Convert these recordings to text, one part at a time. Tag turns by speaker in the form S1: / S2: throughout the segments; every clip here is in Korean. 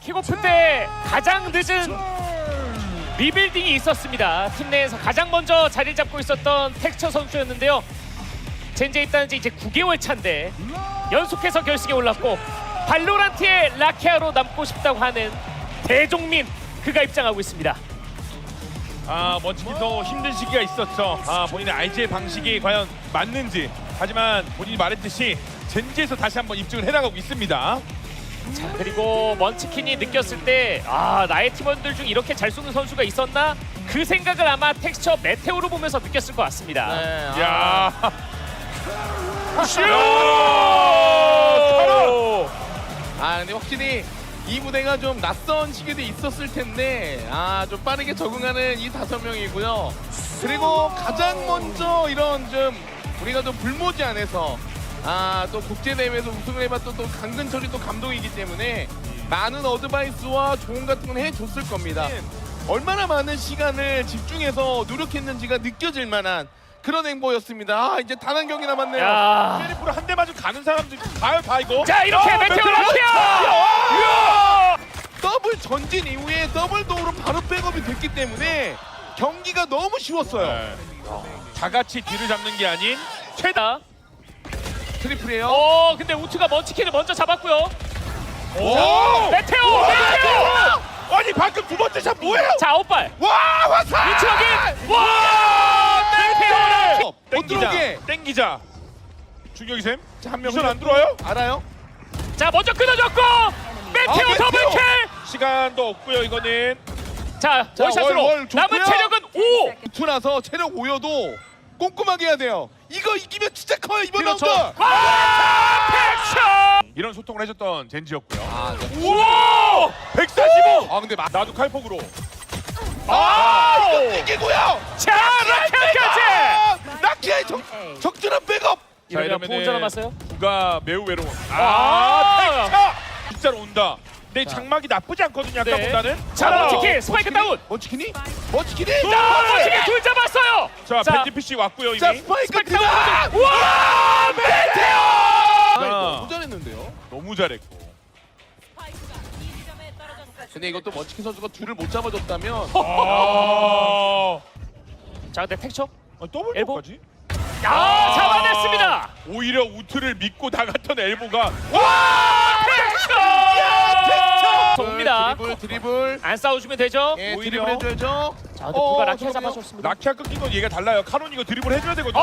S1: 킥오프 때 가장 늦은 리빌딩이 있었습니다. 팀 내에서 가장 먼저 자리를 잡고 있었던 텍스처 선수였는데요. 젠지에 입단한 지 이제 9개월 차인데 연속해서 결승에 올랐고 발로란트의 라키아로 남고 싶다고 하는 대종민, 그가 입장하고 있습니다.
S2: 먼치킨도 힘든 시기가 있었죠. 본인의 RG의 방식이 과연 맞는지. 하지만 본인이 말했듯이 젠지에서 다시 한번 입증을 해나가고 있습니다.
S1: 자, 그리고 먼치킨이 느꼈을 때 나의 팀원들 중 이렇게 잘 쏘는 선수가 있었나? 그 생각을 아마 텍스처 메테오로 보면서 느꼈을 것 같습니다.
S3: 네,
S2: 야,
S1: 슛!
S3: 근데 확실히 이 무대가 좀 낯선 시기도 있었을 텐데 좀 빠르게 적응하는 이 5명이고요. 그리고 가장 먼저 이런 좀 우리가 좀 불모지 안에서 또 국제대회에서 우승을 해봤던 또 강근철이 또 감독이기 때문에 많은 어드바이스와 조언 같은 건 해줬을 겁니다. 얼마나 많은 시간을 집중해서 노력했는지가 느껴질 만한 그런 행보였습니다. 이제 단 한 경기 남았네요.
S1: 야.
S2: 셀리프로 한 대 맞으면 가는 사람들 봐요, 다 이거.
S1: 자, 이렇게 메테오 라키아!
S3: 더블 전진 이후에 더블 도우로 바로 백업이 됐기 때문에 경기가 너무 쉬웠어요.
S2: 네. 다 같이 뒤를 잡는 게 아닌
S1: 최다.
S3: 트리플이에요.
S1: 근데 우트가 먼치킨을 먼저 잡았고요.
S2: 오!
S1: 메테오!
S2: 아니 방금 두 번째 샷 뭐예요?
S1: 자, 아웃발.
S3: 와 화살!
S1: 위치 확인! 와! 메테오 라키아!
S3: 못 들어오게.
S2: 땡기자. 중격이셈.
S3: 한 명
S2: 미션 안 들어와요?
S3: 알아요?
S1: 자, 먼저 끊어줬고 메테오
S3: 메테오!
S1: 더블킬!
S2: 시간도 없고요 이거는.
S1: 자,
S3: 자,
S1: 월샷으로
S3: 월 좋고요.
S1: 남은 체력은 5!
S3: 투나서 체력 5여도 꼼꼼하게 해야 돼요. 이거 이기면 진짜 커요 이번
S1: 그렇죠.
S3: 라운드.
S1: 와! 팩션!
S2: 이런 소통을 해줬던 젠지였고요.
S3: 네.
S2: 우와! 145!
S3: 근데
S2: 나도 칼폭으로.
S1: 이거
S3: 이기고요.
S1: 자, 라키아까지!
S3: 라키아의 적절한 백업.
S1: 이러면 보호자 남았어요?
S2: 누가 매우 외로워.
S1: 아!
S2: 진짜로 온다. 내 장막이 나쁘지 않거든요. 아까보다는.
S1: 자, 먼치킨 스파이크 다운!
S3: 먼치킨이?
S1: 자, 먼치킨 둘 잡았어요!
S2: 자, 밴디피쉬 왔고요 이미.
S3: 자 스파이크
S1: 스파이크
S3: 들어가.
S1: 다운! 와! 메테오!
S3: 너무 잘했는데요.
S2: 너무 잘했고.
S3: 근데 이것도 먼치킨 선수가 둘을 못 잡아줬다면
S1: 자, 근데 텍처?
S2: 더블
S1: 엘보?
S2: 까지
S1: 잡아냈습니다!
S2: 오히려 우트를 믿고 나갔던 엘보가
S1: 텍처! 옵니다.
S3: 드리블.
S1: 안 싸워주면 되죠?
S3: 예,
S2: 오히려.
S3: 드리블 해줘야죠.
S1: 자, 근데 누가 라키아
S3: 저러네요.
S1: 잡아줬습니다.
S2: 라키아 끊긴 건 얘가 달라요. 카론 이거 드리블 해줘야 되거든요.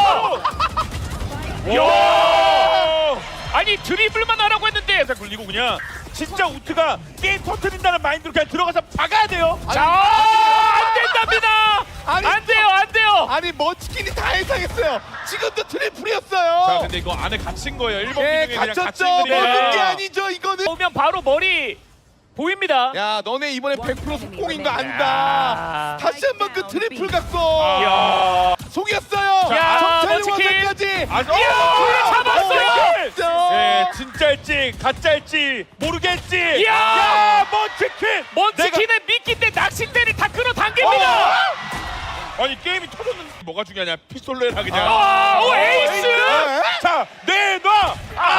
S1: 야! 아니, 드리블만 하라고 했는데
S2: 살짝 굴리고 그냥 진짜 우트가 게임 터트린다는 마인드로 그냥 들어가서 박아야 돼요.
S1: 자, 안 된답니다!
S3: 아니,
S1: 안 돼요, 안 돼요!
S3: 아니 먼치킨이 다 예상했어요. 지금도 트리플이었어요.
S2: 자, 근데 이거 안에 갇힌 거예요. 1번
S3: 예,
S2: 기둥에 그냥
S3: 갇혔죠.
S2: 갇힌
S1: 거예요.
S3: 먹은 게 아니죠 이거는.
S1: 오면 바로 머리 보입니다.
S3: 야 너네 이번에 100% 속공인 거
S1: 야.
S3: 안다. 다시 한번 그 트리플 각도.
S1: 이야.
S3: 속였어요.
S1: 야,
S3: 정찰
S1: 먼치킨.
S3: 원까지.
S1: 이야, 잡았어요!
S2: 예, 진짜일지 가짜일지 모르겠지.
S1: 이야.
S2: 야, 먼치킨.
S1: 먼치킨의 미끼 때 낚싯대를 다 끌어당깁니다.
S2: 아니 게임이 터졌는데 뭐가 중요하냐? 피솔로 해라 그냥.
S1: 오, 에이스!
S2: 자, 내놔.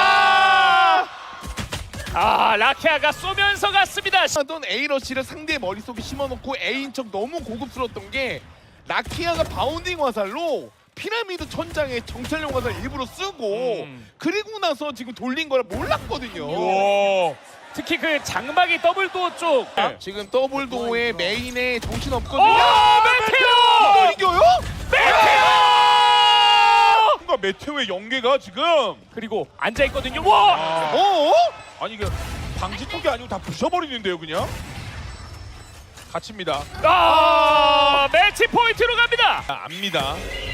S1: 라키아가 쏘면서 갔습니다.
S3: 하던 A러시를 상대의 머릿속에 심어놓고 A인 척 너무 고급스러웠던 게 라키아가 바운딩 화살로 피라미드 천장에 정찰용 화살 일부러 쓰고 그리고 나서 지금 돌린 걸 몰랐거든요.
S2: 오.
S1: 특히 그 장막이 더블도어 쪽.
S2: 네.
S3: 지금 더블도어의 메인에 정신
S1: 오,
S3: 없거든요.
S1: 메테오!
S3: 이걸 이겨요?
S2: 뭔가 메테오의 연계가 지금
S1: 그리고 앉아 있거든요. 와!
S3: 어?
S2: 아니 이게 방지턱이 아니고 다 부셔버리는데요 그냥. 갇힙니다.
S1: 매치 포인트로 갑니다.
S2: 압니다.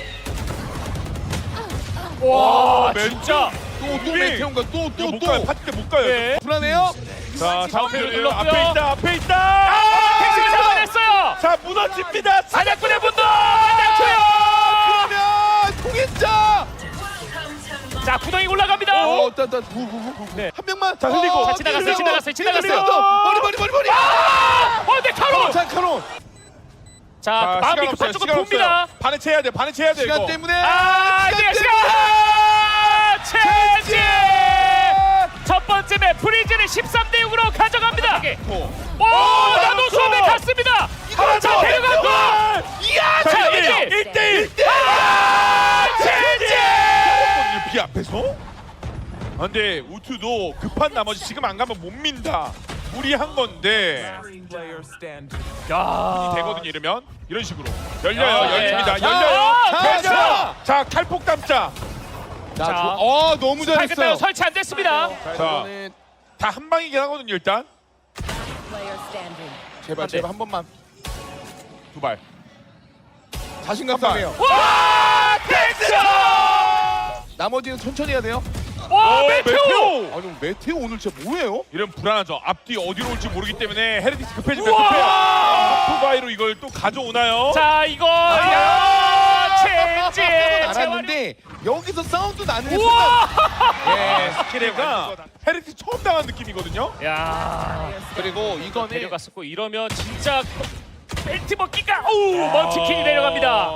S1: 와,
S2: 매치.
S1: 진짜.
S3: 또 메테온가
S2: 이거 못 가요.
S3: 또
S2: 파티 때 못 가요.
S1: 네.
S3: 불안해요?
S2: 자,
S1: 좌우표를
S2: 좌우표를
S1: 눌렀고요.
S2: 앞에 있다. 앞에 있다.
S1: 택시를 잡아냈어요.
S2: 자, 무너집니다.
S1: 사냥꾼의 분노! 사냥초요!
S3: 그러면 통했자.
S1: 자, 구덩이 올라갑니다.
S3: 한 명만.
S2: 자, 흘리고.
S1: 자, 지나갔어요, 지나갔어요.
S3: 머리.
S1: 네, 카론!
S3: 자, 카론.
S1: 자, 마음이 급한 쪽으로 봅니다.
S2: 반에 채야 돼. 반에 채야 돼.
S3: 시간
S2: 이거.
S3: 때문에.
S1: 체제! 첫 번째 맵 프리즈를 13대 6으로 가져갑니다.
S2: 않고.
S1: 오, 나노 수업에 갔습니다. 자, 데려갔고. 이야, 자, 이제
S2: 1대1.
S1: 젠지.
S2: 비 앞에서? 아, 근데 우투도 급한 나머지 지금 안 가면 못 민다. 무리한 건데
S1: 야,
S2: 되거든요. 이러면 이런 식으로 열려요.
S1: 야,
S2: 열립니다.
S1: 자,
S2: 열려요.
S3: 자,
S2: 자, 자, 칼폭 감자.
S3: 자,
S1: 자.
S3: 너무
S1: 밝혔어요.
S3: 잘했어요.
S1: 설치 안 됐습니다.
S3: 자,
S2: 자.
S3: 이거는
S2: 다 한 방이긴 하거든요. 일단
S4: Player standing.
S3: 제발 제발 한 번만
S2: 두 발.
S3: 자신감
S2: 한 발.
S3: 싸네요.
S1: 와, 텍스!
S3: 나머지는 천천히 해야 돼요.
S1: 와,
S2: 오,
S1: 메테오!
S3: 아니 메테오 오늘 진짜 뭐예요?
S2: 이런 불안하죠. 앞뒤 어디로 올지 모르기 때문에 헤르디스 급해지면
S1: 우와!
S2: 급해요. 하프바이로 이걸 또 가져오나요?
S1: 자, 이거 야, 젠지.
S3: 알았는데 여기서 사운드 나는 순간
S1: 우와!
S3: 예,
S2: 스킬가 헤르디스 처음 당한 느낌이거든요.
S1: 야,
S3: 그리고 이거는
S1: 데려갔었고 이러면 진짜 벨트 벗기가 오, 먼치킨이 내려갑니다.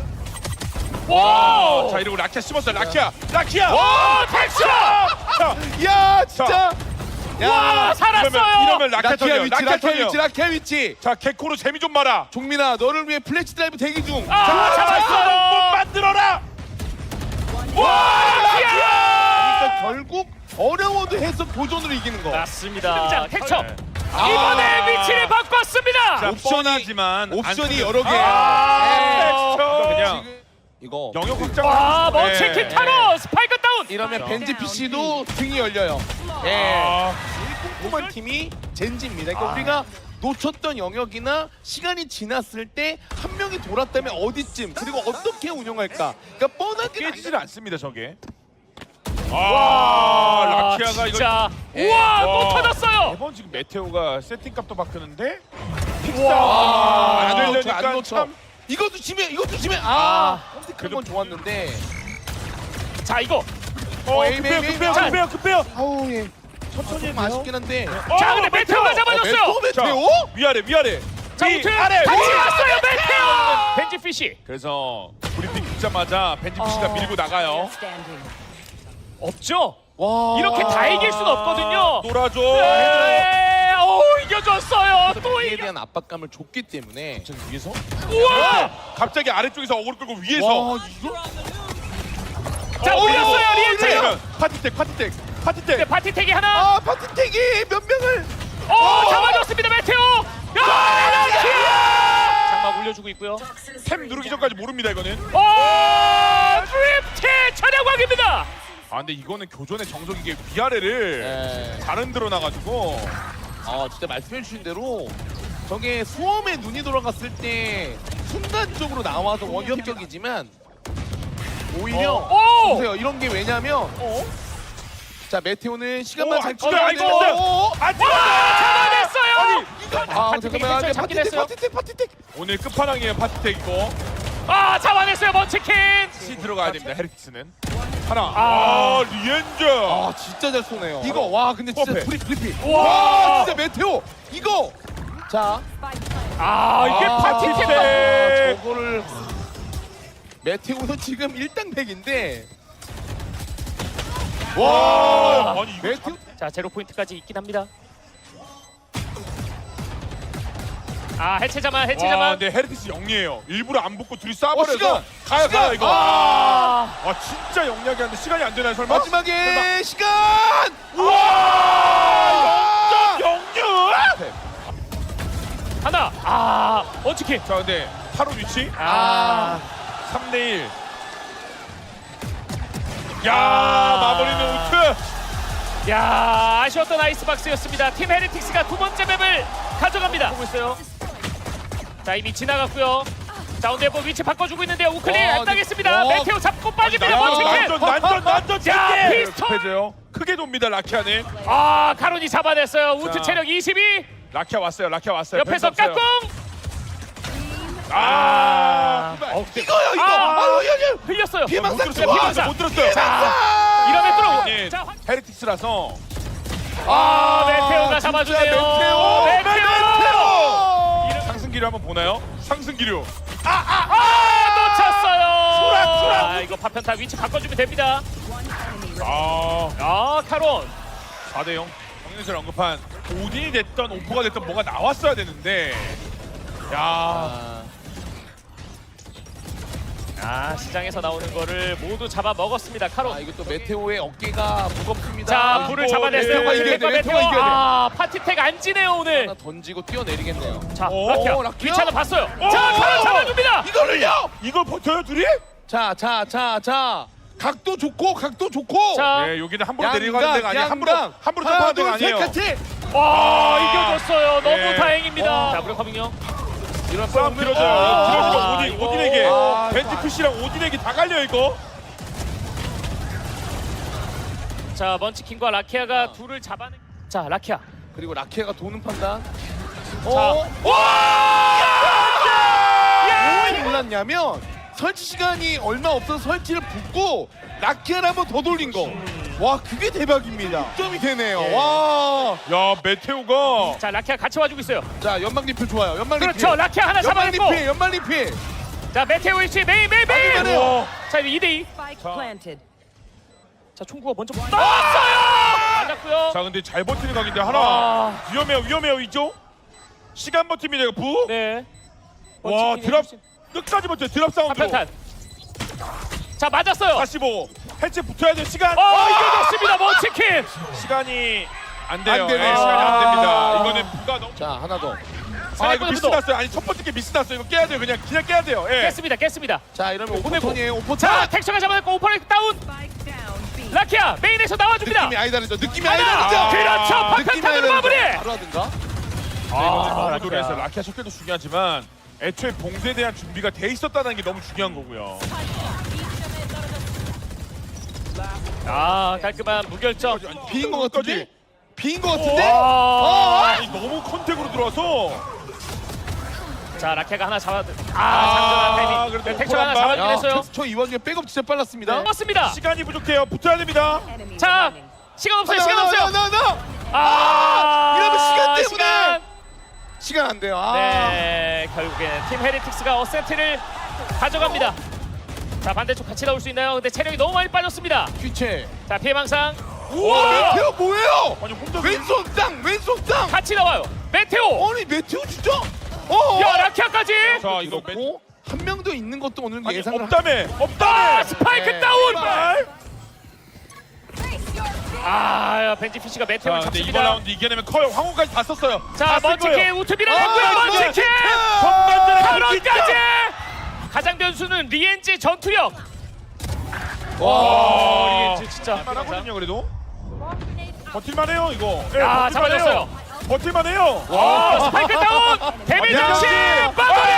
S1: 와!
S2: 자, 이러고 라키아 씹었어요. 라키아.
S1: 와, 텍스!
S2: 자,
S3: 야 진짜
S1: 와, 살았어요.
S2: 이러면 라키아 털려.
S3: 라키아 위치.
S2: 자, 개코로 재미 좀 봐라.
S3: 종민아 너를 위해 플래시 드라이브 대기 중.
S1: 아,
S2: 못
S1: 잡았어.
S2: 만들어라.
S1: 와,
S3: 그러니까 결국 어려워도 해서 도전으로 이기는 거.
S1: 맞습니다. 텍처.
S2: 네.
S1: 이번에 위치를 바꿨습니다.
S2: 자,
S3: 옵션이-
S2: 뻔하지만
S3: 옵션이
S2: 안
S3: 여러 개.
S1: 아,
S2: 텍스처. 그냥
S3: 지금 이거
S2: 영역 확장.
S1: 와, 먼치킨 타로 스파이크 다운.
S3: 이러면 벤지 PC도 등이 열려요. 예.
S2: 아,
S3: 꼼꼼한 팀이 젠지입니다. 그러니까 우리가 놓쳤던 영역이나 시간이 지났을 때 한 명이 돌았다면 어디쯤 그리고 어떻게 운영할까. 그러니까 뻔하게
S2: 깨지질 않습니다, 저게.
S1: 와,
S2: 라키아가 이거
S1: 진짜. 우와, 또
S2: 와.
S1: 터졌어요.
S2: 매번 지금 메테오가 세팅값도 바꾸는데
S3: 와,
S2: 안
S3: 안 놓쳐,
S2: 되니까
S3: 안 놓쳐.
S2: 참.
S3: 이것도 지면
S1: 그래도-
S3: 선택한 건 좋았는데
S1: 자, 이거.
S3: 에이, 에이, 에이.
S2: 급해요.
S3: 아우 예 천천히 좀 아쉽긴 한데
S1: 자, 근데 메테오가 잡아줬어요.
S3: 메테오?
S2: 위아래.
S1: 자,
S2: 위,
S1: 우측
S2: 아래,
S1: 같이
S2: 위.
S1: 왔어요, 메테오. 벤지 피시.
S2: 그래서 브리핑 듣자마자 벤지 PC가 밀고 나가요.
S4: Player standing.
S1: 없죠?
S3: 와
S1: 이렇게 다 이길 순 없거든요.
S2: 놀아줘.
S1: 네, 오, 이겨줬어요. 또
S3: 이에
S1: 이겨.
S3: 대한 압박감을 줬기 때문에
S2: 위에서?
S1: 우와!
S2: 갑자기 아래쪽에서 어그로 끌고 위에서.
S3: 와 이거
S1: 자, 올렸어요, 리엔체.
S2: 이러면 파티텍.
S1: 네, 파티텍이 하나.
S3: 아 파티텍이 몇 명을
S1: 오, 잡아줬습니다, 메테오. 야, 라키아! 장막 올려주고 있고요.
S2: 템 누르기 전까지 모릅니다, 이거는.
S1: 오, 드립티 차량광입니다.
S2: 아, 근데 이거는 교전의 정석이게 위아래를
S3: 예.
S2: 잘 흔들어 놔가지고.
S3: 진짜 말씀해주신 대로 저게 수험에 눈이 돌아갔을 때 순간적으로 나와서 원격적이지만 오히려
S1: 오!
S3: 보세요 이런 게 왜냐면 자 메테오는 시간만
S2: 오,
S3: 잘
S2: 안 찍어요, 안
S3: 찍어야 돼요.
S2: 찍었어요. 안
S1: 와, 잡아냈어요.
S3: 잠깐만
S1: 파티텍이 잡긴 했어요.
S3: 파티텍
S2: 오늘 끝판왕이에요, 파티텍 이거.
S1: 아, 잡아냈어요, 먼치킨.
S2: C 들어가야 됩니다, 헤르티스는. 하나.
S1: 아.
S2: 리엔저.
S3: 아 진짜 잘 쏘네요 이거 와 근데 진짜
S2: 퍼펙트.
S3: 프리피
S1: 와.
S3: 와 진짜 메테오 이거 자
S1: 아, 이게 파티텍.
S3: 저거를 메테오는 지금 1당백인데
S2: 와. 아니 이거
S3: 메테오
S1: 자, 제로 포인트까지 있긴 합니다. 아, 해체자만.
S2: 와, 근데 헤르티스 영리해요. 일부러 안 붙고 둘이
S3: 시간!
S2: 쏴버려서 가요
S3: 시간!
S2: 이거.
S1: 아,
S2: 진짜 영리하게 하는데 시간이 안 되나요, 설마?
S3: 마지막에 시간
S2: 우와! 영유!
S1: 하나. 아, 먼치킨.
S2: 자, 근데 타로 위치
S1: 아,
S2: 3대1. 야,
S1: 아.
S2: 마무리는 우트.
S1: 야, 아쉬웠던 아이스박스였습니다. 팀 헤리틱스가 두 번째 맵을 가져갑니다. 보고 있어요. 자, 이미 지나갔고요. 자, 오늘 뭐 위치 바꿔주고 있는데요. 우클릭 안 당했습니다. 메테오 잡고 빠집니다. 먼치킨.
S2: 난전
S1: 자, 피스톨.
S2: 급해져요. 크게 돕니다, 라키아는.
S1: 아, 카론이 잡아냈어요. 우트
S2: 자.
S1: 체력 22.
S2: 라키아 왔어요.
S1: 옆에서
S2: 펜스 없어요.
S1: 까꿍.
S2: 아.
S3: 이거요 이거
S1: 아.
S3: 아유
S1: 흘렸어요.
S3: 피해망상
S2: 못
S1: 자,
S2: 들었어요.
S1: 피해망상.
S2: 못 들었어요.
S1: 자, 이러면 뚫어.
S2: 예,
S1: 자,
S2: 헤리틱스라서.
S1: 아, 메테오가 잡아주네요.
S3: 메테오
S1: 메테오.
S2: 상승기류 한번 보나요? 상승기류.
S1: 아, 놓쳤어요.
S2: 수락.
S1: 아, 이거 파편타 위치 바꿔주면 됩니다.
S2: 아,
S1: 아, 카론.
S2: 4대0. 전에 언급한 오딘이 됐던 오퍼가 됐던 뭐가 나왔어야 되는데 야
S1: 시장에서 나오는 거를 모두 잡아 먹었습니다. 카론.
S3: 이것도 메테오의 어깨가 무겁습니다.
S1: 자, 불을 잡아냈어요.
S3: 메테오가 이겨야 돼. 메테오가 이겨야 돼.
S1: 파티텍 안 지네요 오늘.
S3: 하나 던지고 뛰어내리겠네요.
S1: 자,
S2: 오,
S1: 라키아.
S3: 라키아.
S1: 위치 하나 봤어요.
S2: 오!
S1: 자, 카론 잡아줍니다.
S3: 이거를요.
S2: 이걸 버텨요 둘이?
S3: 자. 각도 좋고.
S1: 자,
S2: 네 여기는 함부로 내려가는 데가 아니야. 함부로 점프하는
S3: 하나,
S2: 데가
S3: 둘, 셋
S2: 아니에요.
S3: 같이.
S1: 와, 이겨줬어요. 너무
S2: 네.
S1: 다행입니다. 자, 무력화빙요.
S2: 이런 싸움
S3: 아,
S2: 길어져요. 길어지면 오딘에게
S3: 아,
S2: 벤티푸시랑 오딘에게 다 갈려 이거.
S1: 자, 먼치킨과 라키아가 둘을 잡아내. 자, 라키아.
S3: 그리고 라키아가 도는 판단.
S1: 자,
S3: 왜 몰랐냐면 설치 시간이 얼마 없어서 설치를 붓고 라키아를 한번 더 돌린 거. 와 그게 대박입니다. 점이 되네요.
S1: 예.
S3: 와.
S2: 야 메테오가
S1: 자, 라키아 같이 와주고 있어요.
S3: 자 연막 리필 좋아요. 연막 리필.
S1: 그렇죠. 라키아 하나
S3: 연막
S1: 잡아냈고.
S3: 리필. 연막 리필.
S1: 자, 메테오 위치 메인.
S3: 맞네요.
S1: 자, 이제 2대2.
S4: Spike
S2: 자.
S4: planted.
S1: 자, 총구가 먼저 나왔어요. 맞았고요.
S2: 자 근데 잘 버티는 각인데 하나
S1: 아,
S2: 위험해요 이쪽. 시간 버팁니다 이거 부.
S1: 네.
S2: 와
S1: 먼치킨이
S2: 드랍
S1: 해주신
S2: 끝까지 버텨 드랍 사운드.
S1: 한편탄. 자, 맞았어요.
S2: 다시 보고 해체 붙어야 돼 시간.
S1: 이겨졌습니다. 먼치킨.
S2: 시간이 안 돼요.
S3: 안 되네요.
S2: 예, 시간이 안 됩니다.
S1: 아.
S2: 이거는 부가 너무.
S3: 자 하나 더.
S2: 이거 미스 났어요. 아니 첫 번째 게 미스 났어요. 이거 깨야 돼요. 그냥 깨야 돼요. 예.
S1: 깼습니다.
S3: 자 이러면
S1: 보내고.
S3: 오퍼턴이에요. 오퍼턴.
S1: 자, 텍처가 잡아냈고 오퍼레이트 다운.
S4: Spike down B.
S1: 라키아 메인에서 나와줍니다.
S3: 느낌이 아예 다르죠. 느낌이
S1: 하나.
S3: 아예 다르죠.
S1: 그렇죠.
S3: 느낌이
S1: 박한탄으로
S3: 아예
S1: 마무리.
S3: 다르죠. 바로 하든가.
S2: 이거는 너무
S1: 라키아.
S2: 노래해서 라키아 셔틀도 중요하지만 애초에 봉쇄에 대한 준비가 돼 있었다는 게 너무 중요한 거고요.
S1: 깔끔한 무결점.
S3: 비인 거 같은데? 비인 거
S1: 와.
S3: 같은데?
S2: 아니 너무 컨택으로 들어와서.
S1: 자, 라키아가 하나 장전한 타이밍.
S2: 그래도
S1: 네, 텍처가 하나
S2: 오퍼 한
S1: 잡아주긴 했어요.
S3: 저 이 와중에 백업 진짜 빨랐습니다.
S1: 맞습니다.
S2: 시간이 부족해요. 붙어야 됩니다.
S4: Enemies
S1: 자,
S4: remaining.
S1: 시간 없어요. 시간 없어요.
S3: 이러면 시간 때문에.
S1: 시간.
S3: 시간 안 돼요.
S1: 네, 결국에는 팀 헤리틱스가 어센트를 가져갑니다. 자, 반대쪽 같이 나올 수 있나요? 근데 체력이 너무 많이 빠졌습니다.
S3: 귀체.
S1: 자, 피해망상.
S3: 우와 메테오 뭐예요?
S2: 아니 혼자
S3: 왼손 땅.
S1: 같이 나와요. 메테오.
S3: 아니 메테오 진짜?
S1: 야, 라키아까지.
S2: 자 이거
S3: 고 한 명 더 있는 것도 오늘
S2: 아니,
S3: 예상을
S2: 없다며.
S1: 스파이크
S3: 네.
S1: 다운.
S2: 제발.
S1: 벤지 피시가 메테오를
S2: 자 근데 이번
S1: 잡습니다.
S2: 라운드 이겨내면 커요. 황호까지 다 썼어요.
S1: 자,
S2: 다쓴
S1: 먼치킨
S2: 거예요.
S1: 우투비를
S3: 아,
S1: 했고요. 먼치킨.
S2: 전반전에
S1: 탈원까지. 가장 변수는 리엔지 전투력.
S2: 와
S1: 리엔지 진짜.
S2: 할만하거든요 그래도. 버틸만해요 이거. 예,
S1: 아,
S2: 버틸만해요.
S1: 잡아줬어요.
S2: 버틸만해요.
S1: 스파이크 다운. 데뷔 장식 마무리.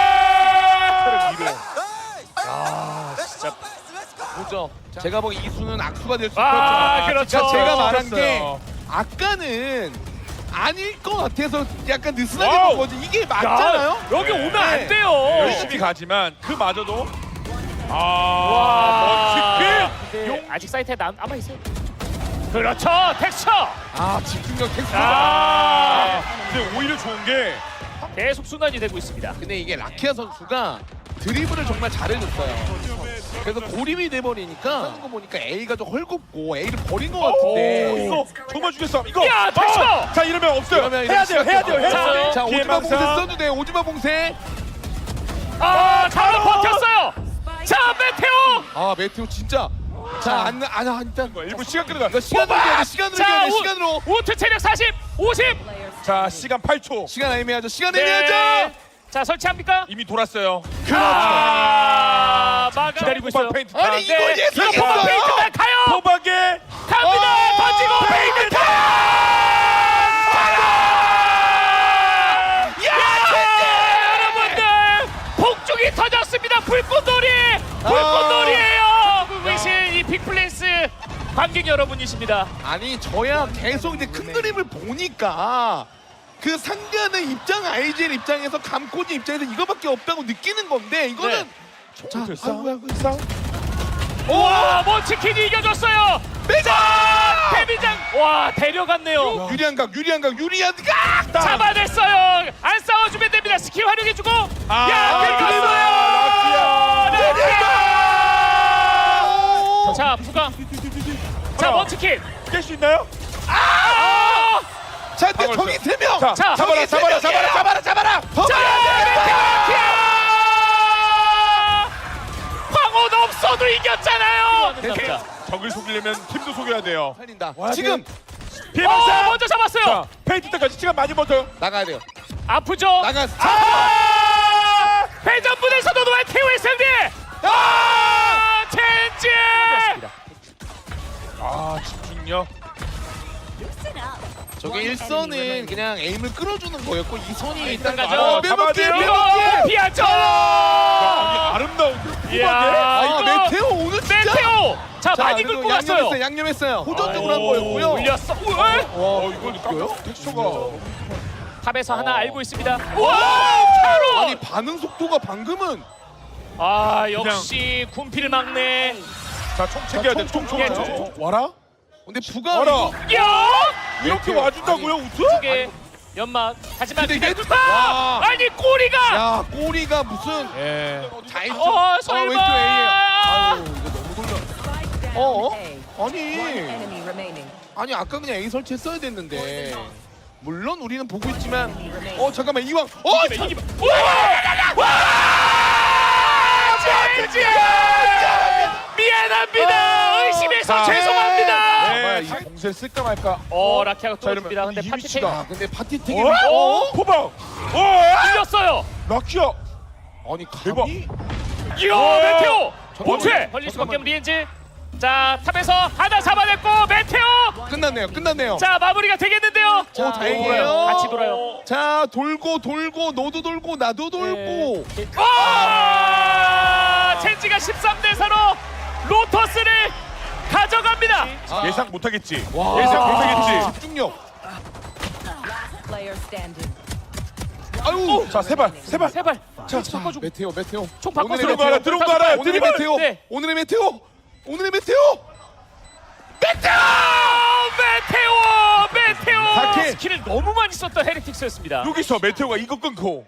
S3: 보죠. 제가 보기 이수는 악수가 될 수
S1: 아,
S3: 있죠.
S1: 그렇죠.
S3: 그러니까 제가 말한 게
S2: 그렇어요.
S3: 아까는 아닐 것 같아서 약간 느슨하게
S2: 와우.
S3: 본 거지. 이게 맞잖아요.
S1: 야, 여기
S2: 네.
S1: 오면 안 돼요.
S2: 열심히 가지만 그마저도
S1: 와.
S2: 먼치킨.
S1: 근데 아직 사이트에 남아 있어요. 그렇죠. 텍스처.
S3: 아 집중력 텍스트.
S2: 근데 오히려 좋은 게
S1: 계속 순환이 되고 있습니다.
S3: 근데 이게 라키아 선수가 드리블을 정말 잘해줬어요. 그래서 고립이 돼버리니까 하는 거 보니까 A가 좀 헐겁고 A를 버린 것
S2: 오,
S3: 같은데.
S2: 이거 정말 죽였어. 이거.
S1: 야, 텍스처.
S2: 자 이러면 없어요.
S3: 그러면
S2: 해야 돼요. 해야 돼요. 해야
S1: 자,
S2: 돼요.
S3: 자 오지마 봉쇄
S2: 피해망상.
S3: 써도 돼. 오지마 봉쇄.
S1: 바로 버텼어요. 자, 메테오.
S3: 아 메테오 진짜. 자 일단
S2: 일부 시간 끌어가.
S3: 이거 시간으로 이겨야 돼. 시간으로 이겨야 돼. 시간으로.
S1: 우투 체력 40, 50.
S2: 자 시간 8초.
S3: 시간 애매하죠. 시간
S1: 네.
S3: 애매하죠.
S1: 자, 설치합니까?
S2: 이미 돌았어요.
S1: 막아 기다리고 있어요.
S2: 페인트.
S3: 아니 이걸
S1: 이거 포박
S3: 예상했어요.
S1: 페인트만 가요.
S2: 포박에
S1: 갑니다. 던지고 페인트 여러분들 폭죽이 터졌습니다. 불꽃놀이에요. 보이신 이 빅플랜스 관객 여러분이십니다.
S3: 아니 저야 계속 이제 큰 그림을 보니까 그 상대하는 입장 IGL 입장에서 감코지 입장에서 이거밖에 없다고 느끼는 건데 이거는 자 아이고
S1: 와, 먼치킨이 이겨줬어요.
S3: 매자
S1: 데뷔장 와, 데려갔네요.
S3: 유리한 각
S1: 잡아냈어요. 안 싸워주면 됩니다. 스킬 활용해주고.
S2: 아,
S1: 야, 들어갔어요. 자, 부가. 자, 먼치킨.
S2: 깰 수 있나요?
S3: 자, 근데
S2: 방어를
S3: 저기
S2: 했어요.
S3: 3명.
S2: 자,
S1: 자,
S2: 잡아라, 잡아라, 잡아라, 잡아라, 잡아라.
S1: 황혼 없어도 이겼잖아요.
S3: 됐어요.
S2: 적을 속이려면 팀도 속여야 돼요.
S3: 살린다.
S2: 와,
S3: 지금
S2: 피해망사.
S1: 먼저 잡았어요.
S2: 자, 페인트 때까지 시간 많이 버텨요.
S3: 나가야 돼요.
S1: 아프죠?
S3: 나가.
S1: 회전분에서도 노아테오의 상대. 첸지.
S2: 아, 집중력.
S3: 저게 1선은 그냥 에임을 끌어주는 거였고 2선이 일단
S1: 일단 가죠.
S3: 빼먹기
S2: 잡아야 돼요.
S1: 이거 피하죠.
S2: 아름다운데.
S1: 이야,
S3: 아,
S1: 이거
S3: 메테오 오늘 진짜.
S1: 메테오. 자, 많이
S3: 그래도
S1: 긁고 갔어요.
S3: 양념했어요. 호전적으로 한 거였고요.
S1: 올렸어.
S2: 이걸 깜짝 텍스처가.
S1: 탑에서 하나 알고 있습니다. 와, 캐롤.
S3: 아니 반응 속도가 방금은
S1: 아, 역시 군필 막내.
S2: 자, 총 챙겨야 돼. 총.
S3: 와라? 근데 부가
S2: 와라.
S1: 야!
S2: 이렇게 와준다고요, 우트?
S1: 두개 연막. 하지만
S3: 근데
S1: 그냥
S3: 이게- 와.
S1: 아니 꼬리가.
S3: 야 꼬리가 무슨
S2: 예.
S3: 잘
S1: 설마.
S3: 왼쪽 A예요. 아유 이거 너무 돌려.
S4: Spike down
S3: 어?
S4: A.
S3: 아니
S4: Enemy remaining.
S3: 아니 아까 그냥 A 설치했어야 됐는데 물론 우리는 보고 있지만 잠깐만 이왕
S1: 이기면. 와! 젠지! 미안합니다. 의심해서 죄송합니다.
S2: 네, 이 공세를 쓸까 말까.
S1: 라키아가
S2: 자,
S1: 뚫었습니다.
S2: 이러면
S1: 근데
S2: 이
S1: 파티
S2: 위치다.
S3: 아 근데 파티 되게
S2: 포박.
S1: 뚫렸어요.
S2: 라키야.
S3: 아니
S2: 대박.
S3: 감히
S1: 이야, 메테오.
S3: 잠깐만요.
S1: 본체 걸릴 수밖에 없는 리엔즈. 자, 탑에서 하나 잡아냈고 메테오.
S3: 끝났네요.
S1: 자, 마무리가 되겠는데요.
S3: 자, 다행이에요.
S1: 같이 돌아요.
S3: 자 돌고 너도 돌고 나도 돌고
S1: 첸지가 13대 4로 로터스를 가져갑니다.
S2: 예상 못하겠지.
S3: 와.
S2: 예상 못하겠지.
S3: 집중력.
S4: Last player standing.
S3: 아유
S2: 자, 세발.
S1: 세발.
S3: 자,
S1: 섞어주고.
S3: 메테오
S1: 총 바꿔서
S3: 오늘의
S2: 들어온 거 알아, 들어온 거 알아.
S3: 오늘의
S2: 드리블.
S3: 메테오
S1: 네.
S3: 오늘의 메테오
S1: 메테오.
S3: 사케.
S1: 스킬을 너무 많이 썼던 헤리틱스였습니다.
S2: 여기서 메테오가 이거 끊고.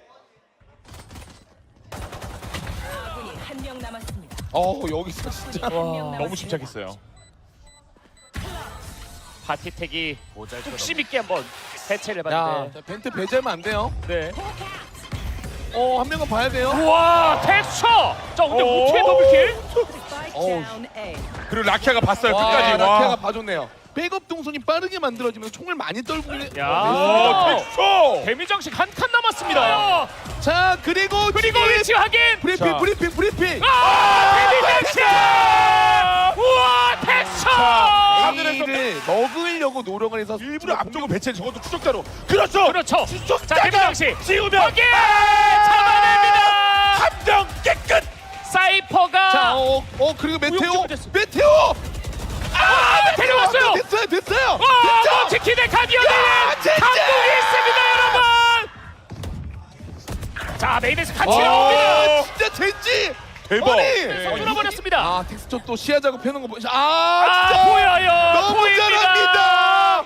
S4: 아군이 한 명 남았습니다.
S3: 여기서 진짜
S2: 너무 집착했어요.
S1: 바티텍이 욕심 있게 한번 대체를
S3: 야
S1: 해봤는데.
S3: 벤트 배제하면 안 돼요
S1: 네.
S3: 한 명은 봐야 돼요
S1: 우와, 텍스처. 자, 근데
S2: 오.
S1: 어떻게 더블킬?
S4: Spike down A.
S2: 그리고 라키아가 봤어요.
S3: 와
S2: 끝까지.
S3: 라키아가
S2: 와.
S3: 봐줬네요 백업 동선이 빠르게 만들어지면서 총을 많이 떨고
S1: 야.
S2: 텍스처.
S1: 데미 장식 한 칸 남았습니다.
S3: 자 그리고
S1: 위치 확인.
S3: 브리핑
S1: 데미 장식. 우와, 텍스처.
S3: A를 먹으려고 노력을 해서
S2: 일부러 앞쪽으로 배치해 저것도 추적자로. 그렇죠.
S1: 그렇죠. 자, 데미 장식.
S2: 씌우면
S1: 확인. 잡아냅니다.
S2: 함정 깨끗.
S1: 사이퍼가.
S3: 자 그리고 메테오
S1: 됐어. 데려왔어요.
S3: 됐어요
S1: 치킨의 가디언에
S3: 젠지!
S1: 한국이 있습니다, 여러분. 자, 메인에서 같이 나옵니다.
S3: 진짜 젠지
S2: 대박.
S3: 아니
S1: 뚫어버렸습니다.
S3: 텍스처 또 시야 작업해놓은 거 보시
S1: 아,
S3: 진짜
S1: 보여요.
S3: 너무
S1: 보입니다.
S3: 잘합니다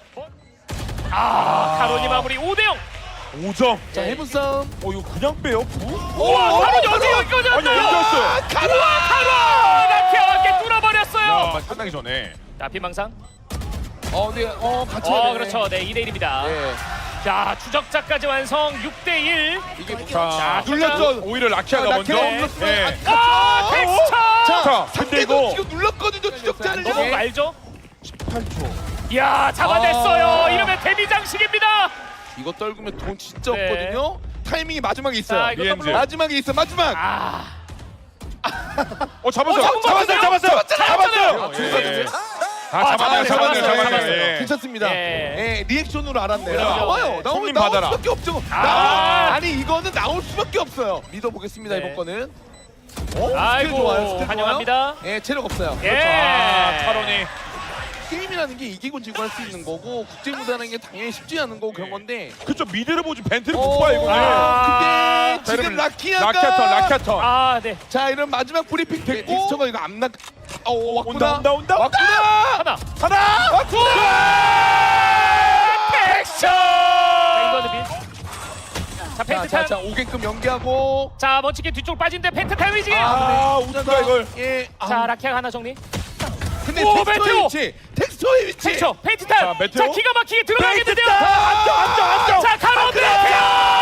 S1: 카론이 마무리 5대0.
S2: 5점.
S3: 자 해븐 싸움
S2: 이거 그냥 빼요?
S1: 우와, 카론이 어디 여기까지
S2: 아니,
S1: 왔나요?
S2: 연결했어요.
S1: 카론! 라키아와 함께 뚫어버렸어요.
S2: 끝나기 전에.
S1: 자, 빈망상.
S3: 네, 같이 해야 되네.
S1: 그렇죠. 네, 2대1입니다.
S3: 네.
S1: 자, 추적자까지 완성 6대1.
S3: 이게
S2: 자,
S3: 눌렀죠.
S2: 오히려 라키아가 먼저.
S3: 라키아가 눌렀어요.
S2: 네.
S1: 텍스처!
S2: 자, 근데 이거
S3: 지금 눌렀거든요 추적자를
S1: 너무 알죠?
S2: 8초.
S1: 이야, 잡아냈어요. 이러면 데미 장식입니다.
S3: 이거 떨구면 돈 진짜
S1: 네.
S3: 없거든요 타이밍이 마지막에 있어요
S1: 자, 이거
S2: 리엔즈.
S1: 더블로.
S3: 마지막에 있어 마지막
S2: 잡았어요.
S1: 잡았어요.
S2: 잡았어요.
S1: 예.
S2: 잡았네요. 예.
S3: 괜찮습니다
S1: 예.
S3: 리액션으로 알았네요
S1: 그럼요.
S3: 나와요
S1: 네.
S3: 나올
S2: 손님 받아라.
S3: 수밖에 없죠 아니 이거는 나올 수밖에 없어요 믿어보겠습니다
S1: 네.
S3: 이번 거는
S1: 아이고,
S3: 좋아요, 스킬
S1: 환영합니다.
S3: 예 체력 없어요
S1: 예.
S2: 카론이.
S3: 게임이라는 게 이기고 지고 할 수 있는 거고 국제무대라는 게 당연히 쉽지 않은 거고 그런 건데
S2: 그쵸, 미드를 보지 벤트를 못 봐, 이거는.
S1: 아,
S3: 근데 지금 라키아가
S2: 라키아턴.
S1: 아, 네.
S3: 자 이런 마지막 브리핑 됐고 텍스처가 이거 암락 왔구나
S2: 온다.
S3: 왔구나
S1: 하나.
S3: 왔구나
S1: 텍스처! 자, 이거는 빈. 자, 펜트탄.
S3: 자 오게끔 연기하고
S1: 자, 먼치킨 뒤쪽으로 빠진데 펜트탄 위지.
S2: 우트가 이걸.
S3: 예
S1: 자, 라키아가 하나 정리.
S3: 근데
S1: 오,
S3: 텍스처의
S1: 메테오!
S3: 위치, 텍스처의 위치.
S1: 텍처 페인트 탄.
S2: 자, 메테오.
S1: 자, 기가 막히게 들어가겠는데요.
S2: 안정.
S1: 자, 가로드 메테오.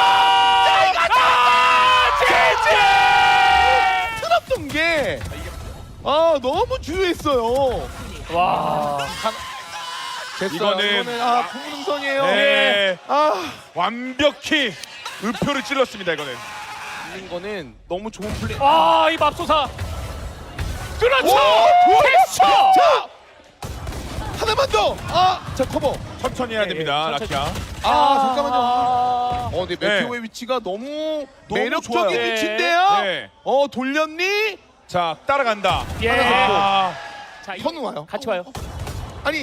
S3: 틀었던 게 너무 주요했어요.
S1: 와.
S3: 됐어요.
S2: 이거는
S3: 풍능선이에요.
S2: 네.
S3: 아,
S2: 완벽히 의표를 찔렀습니다. 이거는.
S3: 있는 거는 너무 좋은 플레이.
S1: 와, 이 맙소사. 그렇죠.
S3: 오,
S1: 텍처.
S3: 자, 하나만 더. 자 커버.
S2: 천천히 해야
S1: 예,
S2: 됩니다.
S1: 예, 천천히.
S2: 라키야.
S3: 잠깐만요. 근데
S2: 네.
S3: 메테오의 위치가 너무
S2: 너무
S3: 매력적인
S2: 좋아요.
S3: 위치인데요.
S2: 네.
S3: 돌렸니?
S2: 자, 따라간다.
S1: 예.
S2: 아,
S1: 자, 이-
S3: 현우 와요.
S1: 같이 와요.
S3: 아니,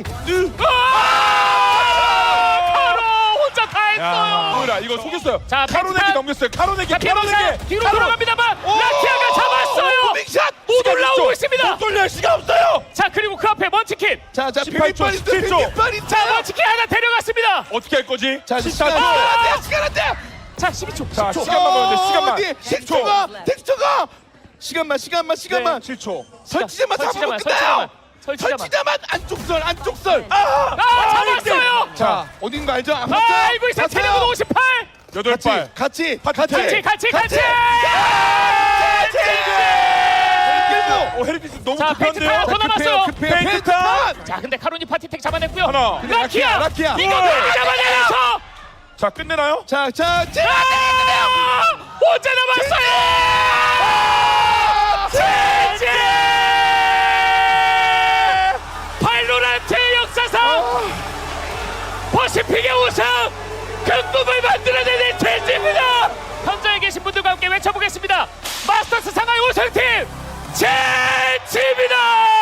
S1: 카로 혼자 다 했어요.
S2: 뭐라 이거 속였어요.
S1: 자,
S2: 카로네기
S1: 펜타.
S2: 넘겼어요. 카로네기.
S1: 자, 피아노사 뒤로 돌아갑니다만 라키아가 잡았어요.
S3: 빅샷.
S1: 못 올라오고 있습니다.
S2: 못 돌려 시간 없어요.
S1: 자, 그리고 그 앞에 먼치킨.
S3: 자,
S2: 18초, 17초.
S1: 자, 먼치킨 하나 데려갔습니다.
S2: 어떻게 할 거지?
S3: 자, 시간
S2: 안
S3: 안 돼. 시간 안 돼.
S1: 자, 12초.
S2: 자, 시간만 보는데 시간만.
S3: 어디?
S2: 10초.
S3: 텍스처가 시간만.
S2: 7초.
S3: 설치자만 잡으면 끝나요. 설치자만 안쪽 설.
S1: 잡았어요.
S3: 자, 어딘가 알죠? 안
S1: 아이고, 이제 체력은 58.
S2: 8발.
S3: 같이.
S1: 같이.
S2: 헤리피스 너무
S1: 자, 페인트
S2: 급한데요?
S1: 타요. 더 남았어요.
S2: 페인트 타.
S1: 자, 근데 카로니 파티텍 잡아냈고요.
S2: 하나.
S1: 라키아.
S3: 라키아.
S1: 이거 빨리 잡아내면서
S2: 자, 끝내나요?
S3: 자,
S1: 혼자 남았어요. 제제. 발로란트의 역사상 퍼시픽의 우승 극복을 만들어내는 제지입니다. 현장에 계신 분들과 함께 외쳐보겠습니다. 마스터스 상하이 우승팀 제지입니다.